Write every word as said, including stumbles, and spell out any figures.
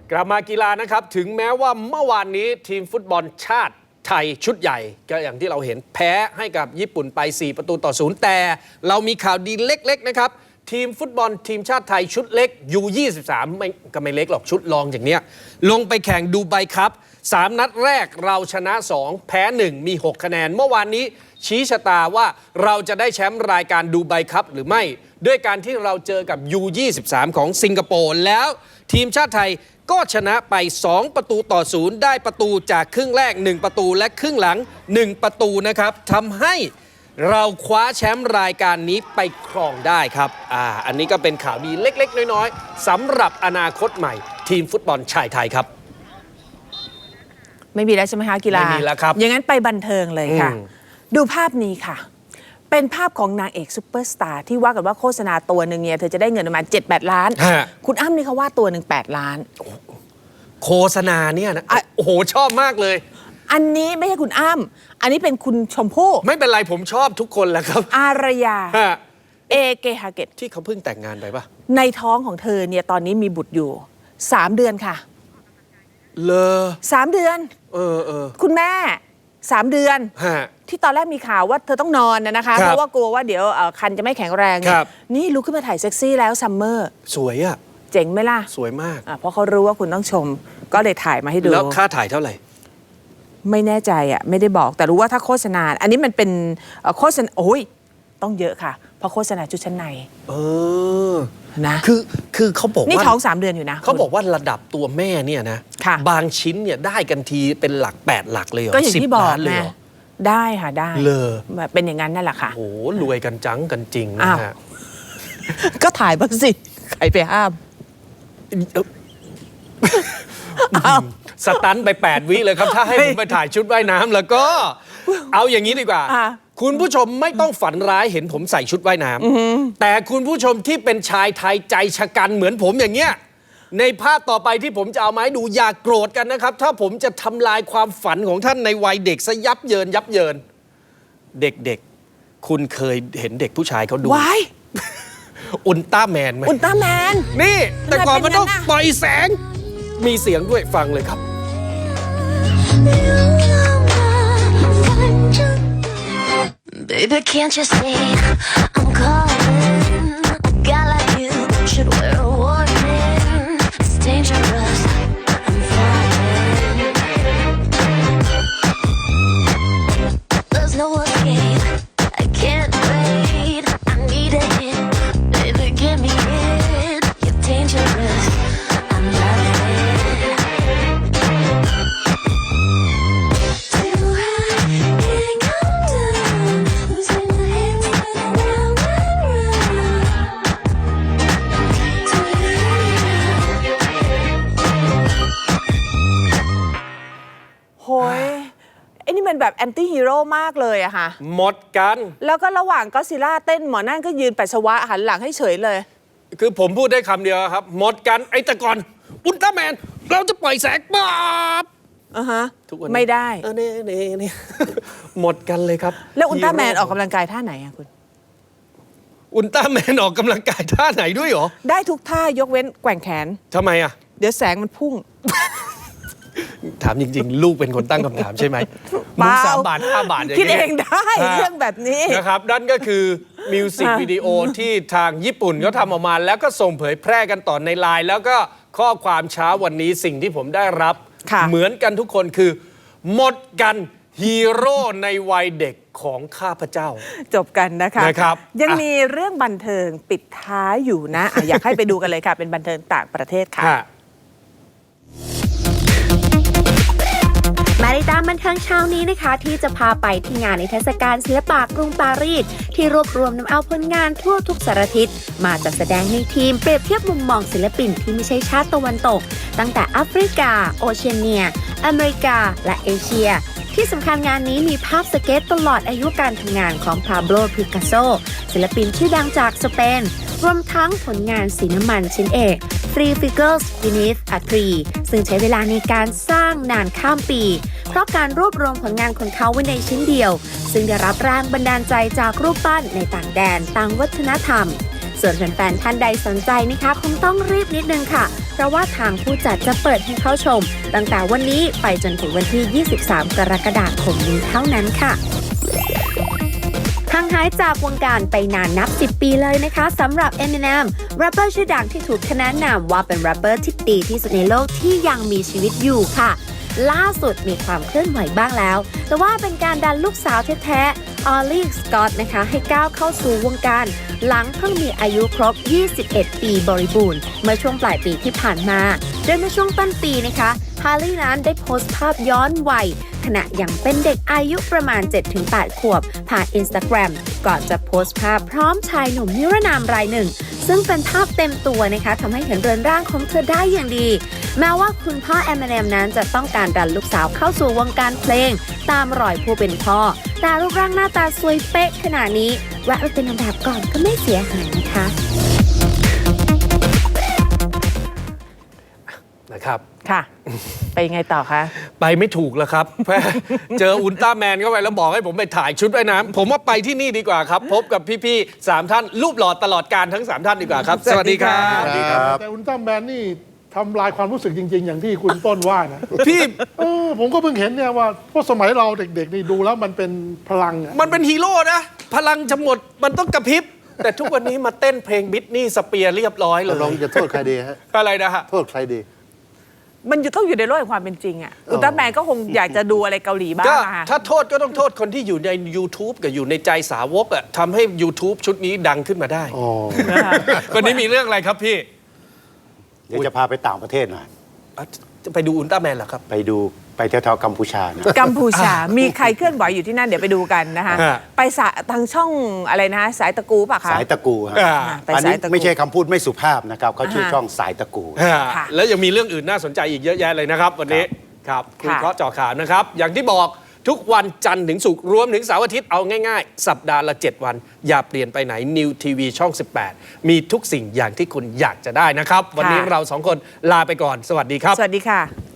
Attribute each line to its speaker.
Speaker 1: กลับมากีฬานะครับถึงแม้ว่าเมื่อวานนี้ทีมฟุตบอลชาติไทยชุดใหญ่ก็อย่างที่เราเห็นแพ้ให้กับญี่ปุ่นไปสี่ประตูต่อศูนย์แต่เรามีข่าวดีเล็กๆนะครับทีมฟุตบอลทีมชาติไทยชุดเล็ก ยู ยี่สิบสาม ไม่ก็ไม่เล็กหรอกชุดรองอย่างเนี้ยลงไปแข่งดูไบครับสามนัดแรกเราชนะสองแพ้หนึ่งมีหกคะแนนเมื่อวานนี้ชี้ชะตาว่าเราจะได้แชมป์รายการดูไบครับหรือไม่ด้วยการที่เราเจอกับ ยู ยี่สิบสาม ของสิงคโปร์แล้วทีมชาติไทยก็ชนะไปสองประตูต่อศูนย์ได้ประตูจากครึ่งแรกหนึ่งประตูและครึ่งหลังหนึ่งประตูนะครับทำให้เราคว้าแชมป์รายการนี้ไปครองได้ครับอ่าอันนี้ก็เป็นข่าวดีเล็กๆน้อยๆสำหรับอนาคตใหม่ทีมฟุตบอลชายไทยครับ
Speaker 2: ไม่มีแล้วใช่ไหมคะกีฬา
Speaker 1: ไม่มีแล้วครับ
Speaker 2: อย่างนั้นไปบันเทิงเลยค่ะดูภาพนี้ค่ะเป็นภาพของนางเอกซุปเปอร์สตาร์ที่ว่ากันว่าโฆษณาตัวหนึ่งเนี่ยเธอจะได้เงินประมาณ เจ็ดแปด ล้านคุณอ้ำนี่เขาว่าตัวหนึ่งแปดล้าน
Speaker 1: โฆษณาเนี่ยนะโอ้โหชอบมากเลย
Speaker 2: อันนี้ไม่ใช่คุณอ้ำอันนี้เป็นคุณชมพู่
Speaker 1: ไม่เป็นไรผมชอบทุกคนแหละครับ
Speaker 2: อารยาเอเกฮาเกต
Speaker 1: ที่เขาเพิ่งแต่งงานไปปะ
Speaker 2: ในท้องของเธอเนี่ยตอนนี้มีบุตรอยู่สามเดือนค่ะ
Speaker 1: เลอ
Speaker 2: สามเดือน
Speaker 1: เออเออ
Speaker 2: คุณแม่สามเดือนที่ตอนแรกมีข่าวว่าเธอต้องนอนนะคะเพราะว่ากลัวว่าเดี๋ยวคันจะไม่แข็งแรงนี่ลุกขึ้นมาถ่ายเซ็กซี่แล้วซัมเมอร์
Speaker 1: สวยอะ
Speaker 2: เจ๋งไหมล่ะ
Speaker 1: สวยมาก
Speaker 2: เพราะเขารู้ว่าคุณต้องชมก็เลยถ่ายมาให้ดู
Speaker 1: แล้วค่าถ่ายเท่าไหร่
Speaker 2: ไม่แน่ใจอ่ะไม่ได้บอกแต่รู้ว่าถ้าโฆษณาอันนี้มันเป็นโฆษณาโอ้ยต้องเยอะค่ะเพราะโฆษณาชุดชั้นใน
Speaker 1: เออ
Speaker 2: นะ
Speaker 1: คือคือเขาบอกว่า
Speaker 2: นี่ท้องสามเดือนอยู่นะ
Speaker 1: เขาบอกว่าระดับตัวแม่เนี่ยนะบางชิ้นเนี่ยได้กันทีเป็นหลักแปดหลักเลยเหรอ
Speaker 2: ก็อย่างที่บอกนะได้ค่ะได้
Speaker 1: เลย
Speaker 2: เป็นอย่างนั้นนั่นแหละค่ะ
Speaker 1: โอ้รวยกันจังกันจริงนะฮะ
Speaker 2: ก็ถ่ายบ้างสิใครไปห้าม
Speaker 1: สตันไปแปดวิเลยครับถ้าให้ผมไปถ่ายชุดว่ายน้ำแล้วก็เอาอย่างนี้ดีกว่าคุณผู้ชมไม่ต้องฝันร้ายเห็นผมใส่ชุดว่ายน้ำแต่คุณผู้ชมที่เป็นชายไทยใจชะกันเหมือนผมอย่างเงี้ยในภาพต่อไปที่ผมจะเอามาให้ดูอย่าโกรธกันนะครับถ้าผมจะทำลายความฝันของท่านในวัยเด็กซะยับเยินยับเยินเด็กๆคุณเคยเห็นเด็กผู้ชายเขาดู
Speaker 2: ว้าย
Speaker 1: อุลตร้าแมนไหม
Speaker 2: อุลตร้าแมน
Speaker 1: นี่แต่ก่อนมันต้องปล่อยแสงมีเสียงด้วยฟังเลยครับ
Speaker 3: Baby, can't you see I'm calling? A guy like you should wear a warning. It's dangerous. I'm falling. There's no escape. I can't wait. I need a hit. Baby, give me it. You're dangerous. I'm loving it. Too high, can't come down. Losing my head, spinning round and round. Too high.
Speaker 2: โหยไอ้นี่มันแบบแอนตี้ฮีโร่มากเลยอะค่ะ
Speaker 1: หมดกัน
Speaker 2: แล้วก็ระหว่างก็ซิล่าเต้นหมอนั่นก็ยืนปัสสาวะหันหลังให้เฉยเลย
Speaker 1: คือผมพูดได้คำเดียวครับหมดกันไอ้แต่ก่อนอุลตร้าแมนเราจะปล่อยแสงป๊าบ
Speaker 2: อ่ะฮะไม่ได้
Speaker 1: เออเน่เน่เน่หมดกันเลยครับ
Speaker 2: แล้วอุลตร้าแมนออกกำลังกายท่าไหนอะคุณ
Speaker 1: อุลตร้าแมนออกกำลังกายท่าไหนด้วยหรอ
Speaker 2: ได้ทุกท่ายกเว้นแกว่งแขน
Speaker 1: ทำไมอะ
Speaker 2: เดี๋ยวแสงมันพุ่ง
Speaker 1: ถามจริงๆลูกเป็นคนตั้งคำถามใช่ไหมมึงสามบาทห้าบาทอย่าง
Speaker 2: นี้คิดเองได้เรื่องแบบนี้
Speaker 1: นะครับนั่นก็คือมิวสิกวิดีโอที่ทางญี่ปุ่นเขาทำออกมาแล้วก็ส่งเผยแพร่กันต่อในไลน์แล้วก็ข้อความเช้าวันนี้สิ่งที่ผมได้รับเหมือนกันทุกคนคือหมดกันฮีโร่ในวัยเด็กของข้าพเจ้า
Speaker 2: จบกันนะคะ
Speaker 1: นะครับ
Speaker 2: ยังมีเรื่องบันเทิงปิดท้ายอยู่นะอยากให้ไปดูกันเลยค่ะเป็นบันเทิงต่างประเทศค่ะ
Speaker 4: มาติดตามบันเทิงเช้านี้นะคะที่จะพาไปที่งานนิทรรศการศิลปะกรุงปารีสที่รวบรวมนำเอาผลงานทั่วทุกสารทิศมาจัดแสดงให้ทีมเปรียบเทียบมุมมองศิลปินที่ไม่ใช่ชาติตะวันตกตั้งแต่แอฟริกาโอเชียเนียอเมริกาและเอเชียที่สำคัญงานนี้มีภาพสเก็ตตลอดอายุการทำงานของพาโบโล พิกัสโซศิลปินชื่อดังจากสเปนรวมทั้งผลงานสีน้ำมันชิ้นเอก Three Figures Beneath a Tree ซึ่งใช้เวลาในการสร้างนานข้ามปีเพราะการรวบรวมผลงานของเขาไว้ในชิ้นเดียวซึ่งได้รับแรงบันดาลใจจากรูปปั้นในต่างแดนต่างวัฒนธรรม ส่วนแฟนๆท่านใดสนใจนะคะคงต้องรีบนิดนึงค่ะเพราะว่าทางผู้จัดจะเปิดให้เข้าชมตั้งแต่วันนี้ไปจนถึงวันที่ ยี่สิบสาม กรกฎาคมนี้เท่านั้นค่ะห่างหายจากวงการไปนานนับ สิบ ปีเลยนะคะสำหรับ Eminem แรปเปอร์ชื่อดังที่ถูกขนานนามว่าเป็นแรปเปอร์ที่ดีที่สุดในโลกที่ยังมีชีวิตอยู่ค่ะล่าสุดมีความเคลื่อนไหวบ้างแล้วแต่ว่าเป็นการดันลูกสาวแท้ๆออลลี่สกอตนะคะให้ก้าวเข้าสู่วงการหลังเพิ่งมีอายุครบ ยี่สิบเอ็ด ปีบริบูรณ์เมื่อช่วงปลายปีที่ผ่านมาโดยเมื่อช่วงต้นปีนะคะฮาร์ลีย์นั้นได้โพสต์ภาพย้อนวัยขณะยังเป็นเด็กอายุประมาณ เจ็ดถึงแปด ขวบผ่าน Instagram ก่อนจะโพสต์ภาพพร้อมชายหนุ่มนิรนามรายหนึ่งซึ่งเป็นภาพเต็มตัวนะคะทำให้เห็นเรือนร่างของเธอได้อย่างดีแม้ว่าคุณพ่อแอมเนมนั้นจะต้องการดันลูกสาวเข้าสู่วงการเพลงตามรอยผู้เป็นพ่อแต่รูปร่างหน้าตาสวยเป๊ะขนาดนี้แวะไปเป็นนางแบบก่อนก็ไม่เสียหายนะคะ
Speaker 1: นะครับ
Speaker 2: ค่ะไปยังไงต่อคะ
Speaker 1: ไปไม่ถูกแล้วครับ เจออุลตร้าแมนเข้าไปแล้วบอกให้ผมไปถ่ายชุดว่ายน้ำผมว่าไปที่นี่ดีกว่าครับพบกับพี่ๆสามท่านรูปหล่อตลอดการทั้งสามท่านดีกว่าครับสวัสดีครับ
Speaker 5: แต่อุลตร้าแมนนี่ทำลายความรู้สึกจริงๆอย่างที่คุณต้นว่านะ
Speaker 1: พี่
Speaker 5: เออผมก็เพิ่งเห็นเนี่ยว่าเพราะสมัยเราเด็กๆนี่ดูแล้วมันเป็นพลังอะ
Speaker 1: มันเป็นฮีโร่นะพลังจะหมดมันต้องกระพริบแต่ทุกวันนี้มาเต้นเพลงบิทนี่สเปียร์เรียบร้อยเลย
Speaker 6: ลองจะโทษใครดีฮะ
Speaker 1: อะไรนะฮะ
Speaker 6: โทษใครดี
Speaker 2: มันต้องอยู่ในโลกแห่งความเป็นจริงอ่ะอุลตร้าแมนก็คงอยากจะดูอะไรเกาหลีบ้าง
Speaker 1: อะถ้าโทษก็ต้องโทษคนที่อยู่ใน YouTube กับอยู่ในใจสาวกอ่ะทำให้ YouTube ชุดนี้ดังขึ้นมาได้วันนี้มีเรื่องอะไรครับพี่
Speaker 6: เดี๋ยวจะพาไปต่างประเทศหน่อย
Speaker 1: จะไปดูอุลตร้าแมนเหรอครับ
Speaker 6: ไปดูไปแถวๆกัมพูชานะ
Speaker 2: กัมพูชามีใครเคลื่อนไหวอยู่ที่นั่นเดี๋ยวไปดูกันนะคะไปสายทางช่องอะไรนะสายตะกูป่ะคะ
Speaker 6: สายตะกูฮะอันนี้ไม่ใช่คำพูดไม่สุภาพนะครับเขาชื่อช่องสายตะกู
Speaker 1: แล้วยังมีเรื่องอื่นน่าสนใจอีกเยอะแยะเลยนะครับวันนี้ครับคุยเคราะห์เจาะข่าวนะครับอย่างที่บอกทุกวันจันทร์ถึงศุกร์รวมถึงเสาร์อาทิตย์เอาง่ายๆสัปดาห์ละเจ็ดวันอย่าเปลี่ยนไปไหน New ที วี ช่องสิบแปดมีทุกสิ่งอย่างที่คุณอยากจะได้นะครับวันนี้เราสองคนลาไปก่อนสวัสดีครับ
Speaker 2: สวัสดีค่ะ